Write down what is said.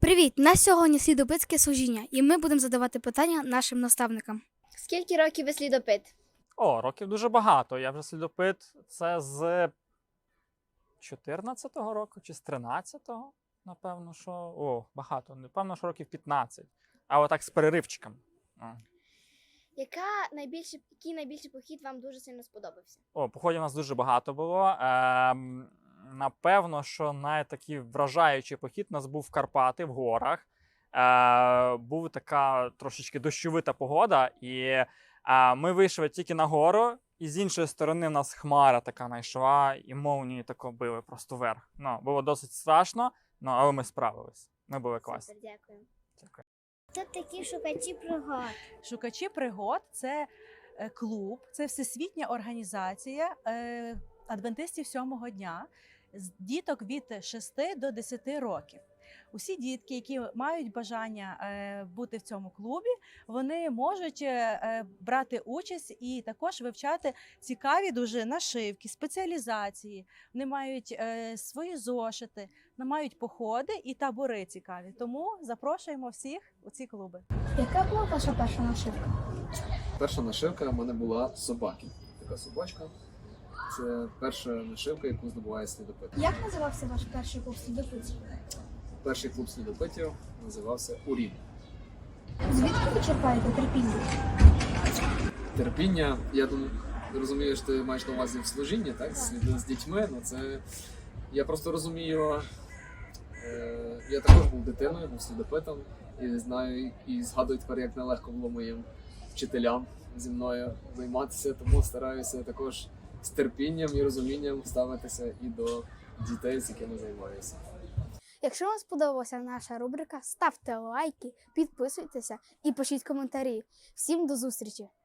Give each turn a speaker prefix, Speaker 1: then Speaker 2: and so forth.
Speaker 1: Привіт! На сьогодні слідопитське служіння, і ми будемо задавати питання нашим наставникам.
Speaker 2: Скільки років ви слідопит?
Speaker 3: Років дуже багато. Я вже слідопит це з 14-го року чи з 13-го, напевно, що. Багато. Напевно, що років 15. А отак з переривчиком.
Speaker 2: Який найбільший похід вам дуже сильно сподобався?
Speaker 3: Походів у нас дуже багато було. Напевно, що найтакий вражаючий похід у нас був в Карпати, в горах. Була така трошечки дощовита погода, і ми вийшли тільки на гору, і з іншої сторони в нас хмара така найшла, і молнії тако били просто вверх. Було досить страшно, але ми справились. Ми були класні.
Speaker 2: Супер, дякую.
Speaker 3: Дякую.
Speaker 2: Це такі шукачі пригод.
Speaker 4: Шукачі пригод це клуб, це всесвітня організація адвентистів сьомого дня з діток від 6 до 10 років. Усі дітки, які мають бажання бути в цьому клубі, вони можуть брати участь і також вивчати цікаві дуже нашивки, спеціалізації. Вони мають свої зошити, вони мають походи і табори цікаві. Тому запрошуємо всіх у ці клуби.
Speaker 1: Яка була ваша перша нашивка?
Speaker 5: Перша нашивка в мене була собаки. Така собачка. Це перша нашивка, яку здобуває слідопит.
Speaker 1: Як називався ваш перший клуб слідопитів?
Speaker 5: Перший клуб слідопитів називався Урін.
Speaker 1: Звідки ви черпаєте терпіння?
Speaker 5: Терпіння, я думаю, розумію, що ти маєш на увазі в служінні, так? З дітьми. Я просто розумію, я також був дитиною, був слідопитом, і знаю, і згадую тепер, як нелегко було моїм вчителям зі мною займатися, тому стараюся також з терпінням і розумінням ставитися і до дітей, з якими займаюся.
Speaker 1: Якщо вам сподобалася наша рубрика, ставте лайки, підписуйтеся і пишіть коментарі. Всім до зустрічі!